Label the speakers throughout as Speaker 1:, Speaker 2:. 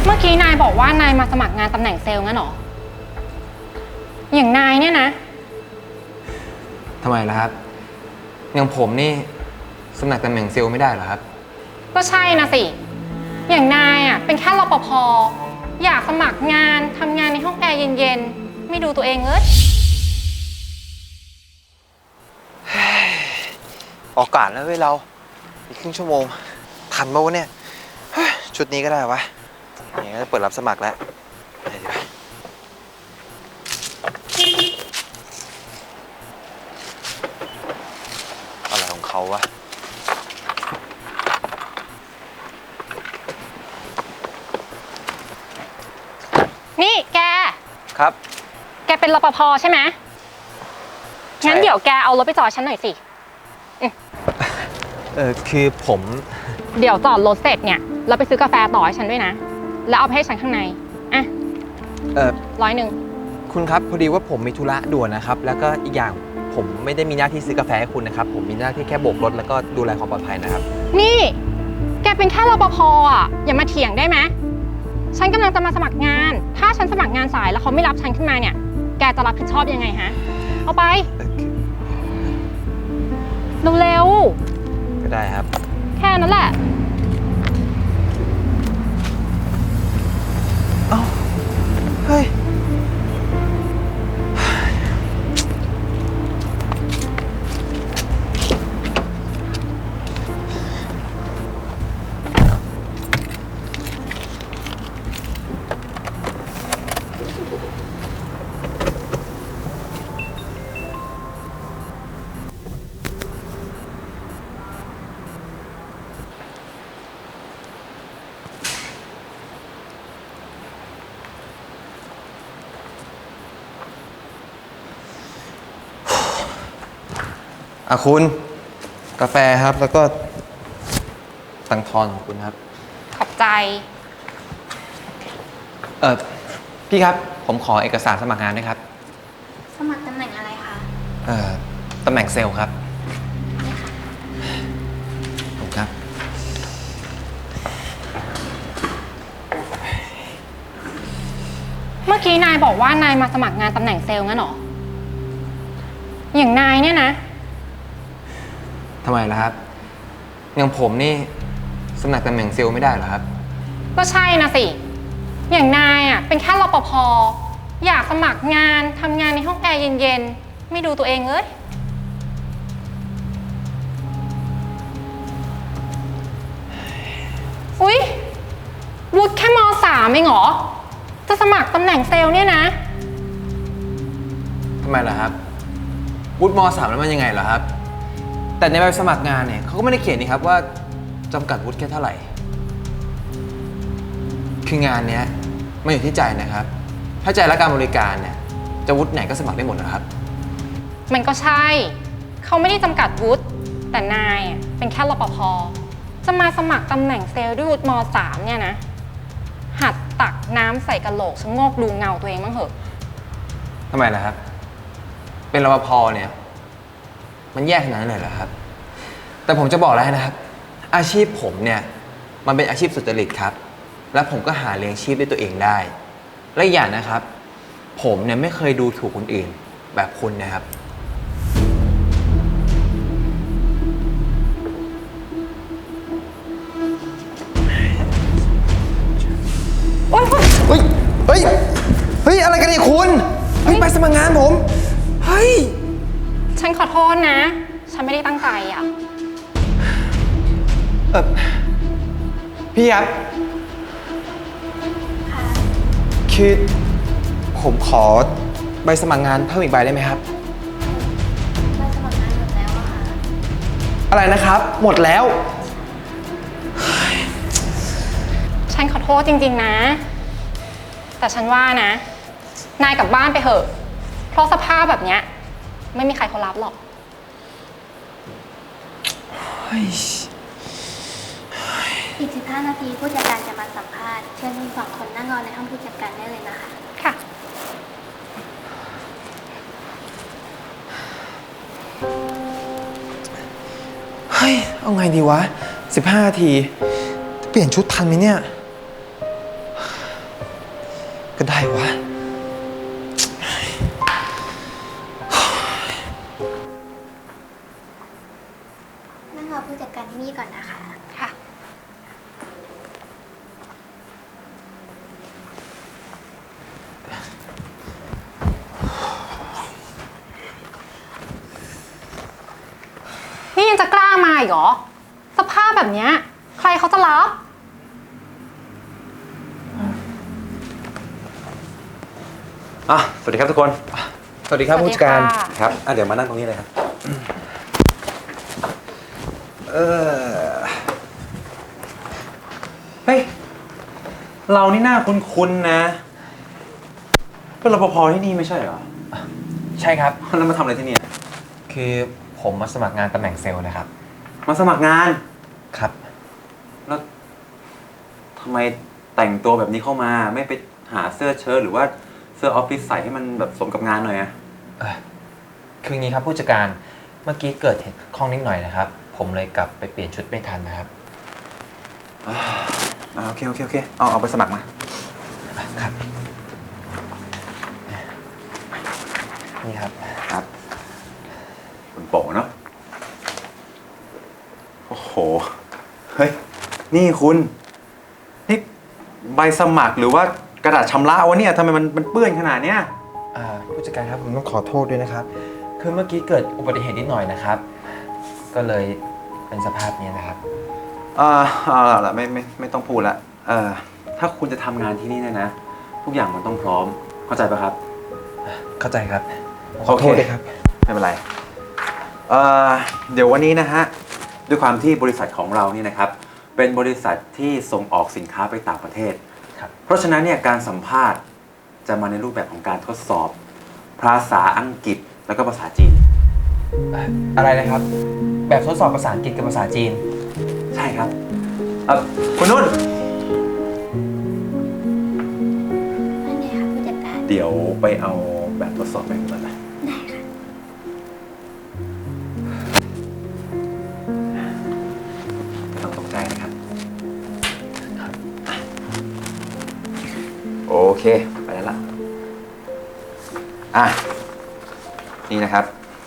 Speaker 1: เมื่อกี้นายบอกว่านายมาสมัครงานตำแหน่งเซลล์งั้นหรออย่างนายเนี่ยนะ
Speaker 2: ทำไมล่ะครับอย่างผมนี่สมัครตำแหน่งเซลล์ไม่ได้เหรอครับ
Speaker 1: ก็ใช่นะสิอย่างนายอ่ะเป็นแค่รปภอยากสมัครงานทำงานในห้องแอร์เย็นๆไม่ดูตัวเองเลย
Speaker 3: ออกกาดแล้วเว้ยเราอีกครึ่งชั่วโมงทันปะวะเนี่ยชุดนี้ก็ได้วะอย่างนี้ก็จะเปิดรับสมัครแล้วไปดีกว่าอะไรของเขาวะ
Speaker 1: นี่แก
Speaker 3: ครับ
Speaker 1: แกเป็นรปภใช่ไหมงั้นเดี๋ยวแกเอารถไปจอดฉันหน่อยสิ
Speaker 3: คือผม
Speaker 1: เดี๋ยวจอดรถเสร็จเนี่ยเราไปซื้อกาแฟต่อให้ฉันด้วยนะแล้วเอาไปให้ฉันข้างในอ่ะ100
Speaker 3: คุณครับพอดีว่าผมมีธุระด่วนนะครับแล้วก็อีกอย่างผมไม่ได้มีหน้าที่ซื้อกาแฟให้คุณนะครับผมมีหน้าที่แค่โบกรถแล้วก็ดูแลความปลอดภัยนะครับ
Speaker 1: นี่แกเป็นแค่รปภอ่ะอย่ามาเถียงได้ไหมฉันกำลังจะมาสมัครงานถ้าฉันสมัครงานสายแล้วเขาไม่รับฉันขึ้นมาเนี่ยแกจะรับผิดชอบยังไงฮะเอาไปเร็ว
Speaker 3: ๆก็ได้ครับ
Speaker 1: แค่นั้นแหละ
Speaker 3: เอ้าเฮ้ยคุณกาแฟครับแล้วก็ตังค์ทอนของคุณครับ
Speaker 1: ขอบใจ
Speaker 3: พี่ครับผมขอเอกสารสมัครงานด้วยครับ
Speaker 4: สมัครตำแหน่งอะไรคะ
Speaker 3: ตำแหน่งเซลล์ครับผมครับ
Speaker 1: เมื่อกี้นายบอกว่านายมาสมัครงานตำแหน่งเซลล์งั้นหรออย่างนายเนี่ยนะ
Speaker 2: ทำไมล่ะครับอย่างผมนี่สมัครตำแหน่งเซลล์ไม่ได้เหรอครับ
Speaker 1: ก็ใช่นะสิอย่างนายอ่ะเป็นแค่รปภอยากสมัครงานทำงานในห้องแอร์เย็นๆไม่ดูตัวเองเลยอุ๊ยวุฒิแค่ม.3 เองเหรอจะสมัครตำแหน่งเซลล์เนี่ยนะ
Speaker 2: ทำไมล่ะครับวุฒิม.3 แล้วมันยังไงเหรอครับแต่ในใบสมัครงานเนี่ยเขาก็ไม่ได้เขียนนี่ครับว่าจำกัดวุฒิแค่เท่าไหร่คืองานเนี้ยมันอยู่ที่ใจนะครับถ้าใจและการบริการเนี่ยจะวุฒิไหนก็สมัครได้หมดนะครับ
Speaker 1: มันก็ใช่เขาไม่ได้จำกัดวุฒิแต่นายเป็นแค่รปภจะมาสมัครตำแหน่งเซลล์ด้วยวุฒิม.3 เนี่ยนะหัดตักน้ำใส่กระโหลกชะโงกดูเงาตัวเองบ้างเถอะ
Speaker 2: ทำไมล่ะครับเป็นรปภเนี่ยมันแย่ขนาดนั้นเลยเหรอครับแต่ผมจะบอกแล้วนะครับอาชีพผมเนี่ยมันเป็นอาชีพสุจริตครับและผมก็หาเลี้ยงชีพด้วยตัวเองได้และอีกอย่างนะครับผมเนี่ยไม่เคยดูถูกคนอื่นแบบคุณนะครับ
Speaker 3: เฮ้ยเฮ้ยเฮ้ยอะไรกันเนี่ยคุณเฮ้ยไปสมัครงานผมเฮ้ย
Speaker 1: ฉันขอโทษนะฉันไม่ได้ตั้งใจอ่ะ
Speaker 3: พี่ครับคือผมขอใบสมัครงานเพิ่มอีกใบได้ไหมครับ
Speaker 4: ใบสมัครงานหมดแล้วอะค่ะ
Speaker 3: อะไรนะครับหมดแล้ว
Speaker 1: ฉันขอโทษจริงๆนะแต่ฉันว่านะนายกลับบ้านไปเถอะเพราะสภาพแบบเนี้ยไม่มีใครเขารับหรอก
Speaker 4: อีก15 นาทีผู้จัดการจะมาสัมภาษณ์เชิญคุณ2 คนนั่งรอในห้องผู้จัดการได้เลยนะคะ
Speaker 1: ค่ะ
Speaker 3: เฮ้ยเอาไงดีวะ15 นาทีเปลี่ยนชุดทันไหมเนี่ย
Speaker 2: ได้วะ
Speaker 4: นั่งรอผู้จัดการที่นี่ก่อนนะคะ
Speaker 1: ค่ะ นี่ยังจะกล้ามาอีกเหรอ สภาพแบบเนี้ยใครเขาจะรับ
Speaker 5: สวัสดีครับทุกคน
Speaker 2: สวัสดีครับ
Speaker 1: สวัสดี
Speaker 2: ผู้จัดการ
Speaker 1: ค่ะ
Speaker 5: ครับเดี๋ยวมานั่งตรงนี้เลยครับ เฮ้ย เรานี่หน้าคุ้นๆนะ เป็นรปภที่นี่ไม่ใช่เหรอ
Speaker 2: ใช่ครับ
Speaker 5: แล้วมาทำอะไรที่นี่
Speaker 2: คือผมมาสมัครงานตำแหน่งเซลล์นะครับ
Speaker 5: มาสมัครงาน
Speaker 2: ครับ
Speaker 5: แล้วทำไมแต่งตัวแบบนี้เข้ามา ไม่ไปหาเสื้อเชิ้ตหรือว่าเสื้อออฟฟิศใส่ให้มันแบบสมกับงานหน่อยอะ
Speaker 2: คืออย่างนี้ครับผู้จัดการ เมื่อกี้เกิดเหตุข้องนิดหน่อยนะครับ ผมเลยกลับไปเปลี่ยนชุดไม่ทันนะครับ
Speaker 5: โอเคเอาไปสมัครมา
Speaker 2: ครับ นี่ครับ
Speaker 5: ครับ คุณโป๋เนาะ โอ้โห เฮ้ย นี่คุณ นี่ใบสมัครหรือว่ากระดาษชำระวะเนี่ยทำไมมันเปื้อนขนาดเนี้ย
Speaker 2: ผู้จัดการครับผมต้องขอโทษด้วยนะครับ คือเมื่อกี้เกิดอุบัติเหตุนิดหน่อยนะครับ ก็เลยเป็นสภาพนี้นะครับ
Speaker 5: เอาละไม่ต้องพูดละถ้าคุณจะทำงานที่นี่เนี่ยนะ ทุกอย่างมันต้องพร้อม เข้าใจปะครับ
Speaker 2: เข้าใจครับ ขอโทษด้วยครับ
Speaker 5: ไม่เป็นไร เดี๋ยววันนี้นะฮะ ด้วยความที่บริษัทของเรานี่นะครับ เป็นบริษัทที่ส่งออกสินค้าไปต่างประเทศ
Speaker 2: ครับ
Speaker 5: เพราะฉะนั้นเนี่ยการสัมภาษณ์จะมาในรูปแบบของการทดสอบ ภาษาอังกฤษแล้วก็ภาษาจีน
Speaker 2: อะไรนะครับ แบบทดสอบภาษาอังกฤษกับภาษาจีน
Speaker 5: ใช่ครับคุณนุ่น
Speaker 4: นั่นไงคะผู้จัดการ
Speaker 5: เดี๋ยวไปเอาแบบทดสอบไปก่อนนะ
Speaker 4: ได้ค่ะ
Speaker 5: ไม่ต้องตกใจนะครับ โอเค ไปแล้วล่ะ นี่นะครับ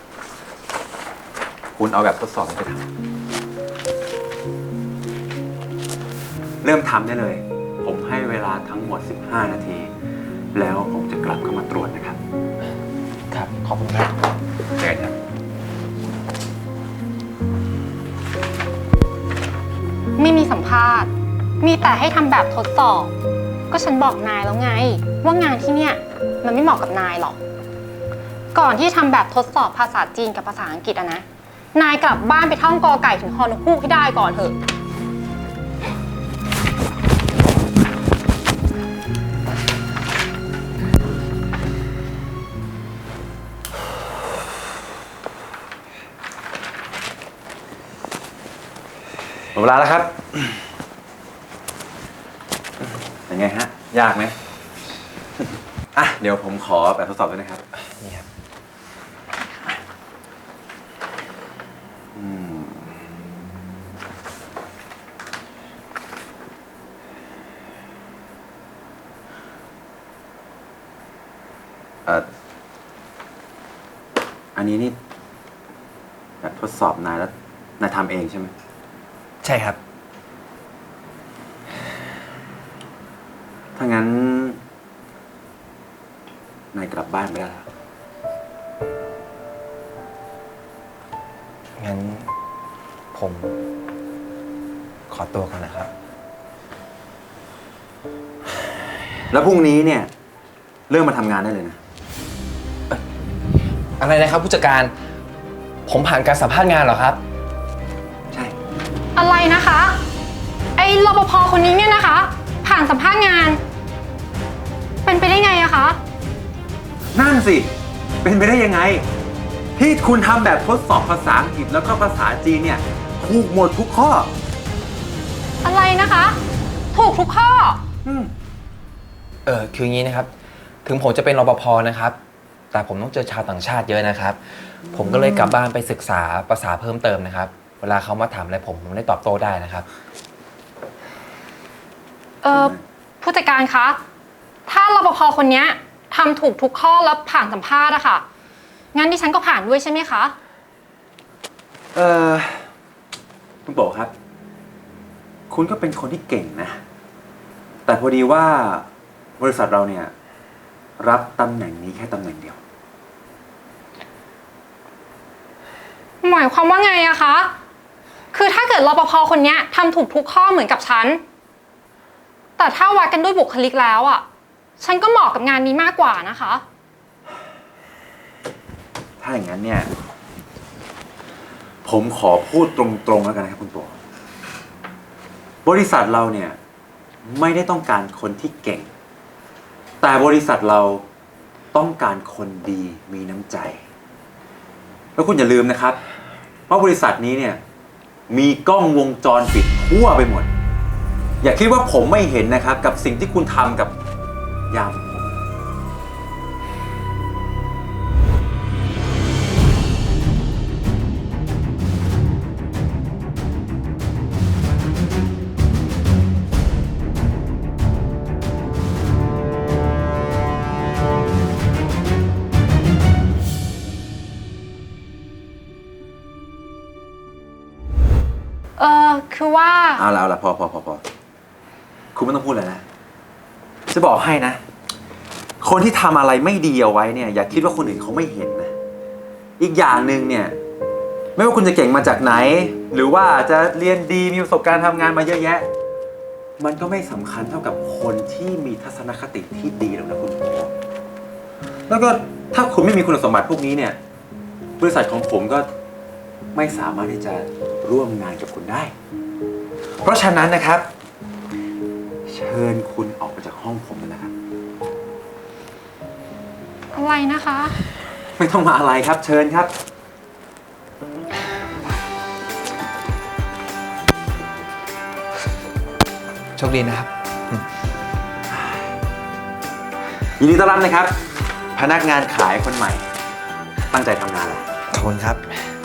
Speaker 5: คุณเอาแบบทดสอบไปทำเริ่มทำได้เลย ผมให้เวลาทั้งหมด 15 นาที แล้วผมจะกลับเข้ามาตรวจนะครับ
Speaker 2: ครับ ขอบคุณครับ
Speaker 5: เจอกันครับ
Speaker 1: ไม่มีสัมภาษณ์ มีแต่ให้ทำแบบทดสอบ ก็ฉันบอกนายแล้วไง ว่างานที่เนี่ยมันไม่เหมาะกับนายหรอก ก่อนที่ทำแบบทดสอบภาษาจีนกับภาษาอังกฤษอะนะ นายกลับบ้านไปท่องกอไก่ถึงฮอนกฮูกให้ได้ก่อนเถอะ
Speaker 5: หมดเวลาแล้วครับ เป็นไงฮะ ยากไหม เดี๋ยวผมขอแบบทดสอบด้วยนะครับ
Speaker 2: นี่ครับ
Speaker 5: อันนี้นี่แบบทดสอบนายแล้วนายทำเองใช่ไหม
Speaker 2: ใช่ครับ
Speaker 5: ถ้างั้นนายกลับบ้านไปได้แล้ว
Speaker 2: งั้นผมขอตัวก่อนนะครับ
Speaker 5: แล้วพรุ่งนี้เนี่ยเริ่มมาทำงานได้เลยนะ
Speaker 2: อะไรนะครับผู้จัดการ ผมผ่านการสัมภาษณ์งานเหรอครับ
Speaker 5: ใช่
Speaker 1: อะไรนะคะ ไอ้รปภคนนี้เนี่ยนะคะ ผ่านสัมภาษณ์งาน เป็นไปได้ไงอะคะ
Speaker 5: นั่นสิ เป็นไปได้ยังไง ที่คุณทำแบบทดสอบภาษาอังกฤษแล้วก็ภาษาจีนเนี่ยถูกหมดทุกข้อ
Speaker 1: อะไรนะคะ ถูกทุกข้อ
Speaker 2: คืออย่างนี้นะครับ ถึงผมจะเป็นรปภนะครับ แต่ผมต้องเจอชาวต่างชาติเยอะนะครับ ผมก็เลยกลับบ้านไปศึกษาภาษาเพิ่มเติมนะครับ เวลาเขามาถามอะไรผมได้ตอบโต้ได้นะครับ
Speaker 1: ผู้จัดการคะถ้ารปภคนเนี้ยทำถูกทุกข้อแล้วผ่านสัมภาษณ์อะค่ะ งั้นดิฉันก็ผ่านด้วยใช่ไหมคะ
Speaker 5: คุณโป๋ครับ คุณก็เป็นคนที่เก่งนะ แต่พอดีว่าบริษัทเราเนี่ย รับตำแหน่งนี้แค่ตำแหน่งเดียว
Speaker 1: หมายความว่าไงอะคะ คือถ้าเกิดรปภคนเนี้ยทำถูกทุกข้อเหมือนกับฉัน แต่ถ้าวัดกันด้วยบุคลิกแล้วอะฉันก็เหมาะกับงานนี้มากกว่านะคะ
Speaker 5: ถ้าอย่างนั้นเนี่ย ผมขอพูดตรงๆแล้วกันนะครับคุณโป๋บริษัทเราเนี่ย ไม่ได้ต้องการคนที่เก่ง แต่บริษัทเราต้องการคนดีมีน้ำใจ แล้วคุณอย่าลืมนะครับว่าบริษัทนี้เนี่ย มีกล้องวงจรปิดทั่วไปหมด อย่าคิดว่าผมไม่เห็นนะครับ กับสิ่งที่คุณทำกับยามผม
Speaker 1: คือว่า
Speaker 5: เอาละพอคุณไม่ต้องพูดเลยนะ จะบอกให้นะ คนที่ทำอะไรไม่ดีเอาไว้เนี่ย อย่าคิดว่าคนอื่นเขาไม่เห็นนะ อีกอย่างหนึ่งเนี่ย ไม่ว่าคุณจะเก่งมาจากไหน หรือว่าจะเรียนดีมีประสบการณ์ทำงานมาเยอะแยะ มันก็ไม่สำคัญเท่ากับคนที่มีทัศนคติที่ดีหรอกนะคุณโอแล้วก็ถ้าคุณไม่มีคุณสมบัติพวกนี้เนี่ย บริษัทของผมก็ไม่สามารถที่จะร่วมงานกับคุณได้ เพราะฉะนั้นนะครับ เชิญคุณออกไปจากห้องผมเลยนะครับ
Speaker 1: อะไรนะคะ
Speaker 5: ไม่ต้องมาอะไรครับ เชิญครับ
Speaker 2: โชคดีนะครับ
Speaker 5: ยินดีต้อนรับนะครับ พนักงานขายคนใหม่ ตั้งใจทำงานเลย
Speaker 3: ขอบคุณครับ
Speaker 5: ค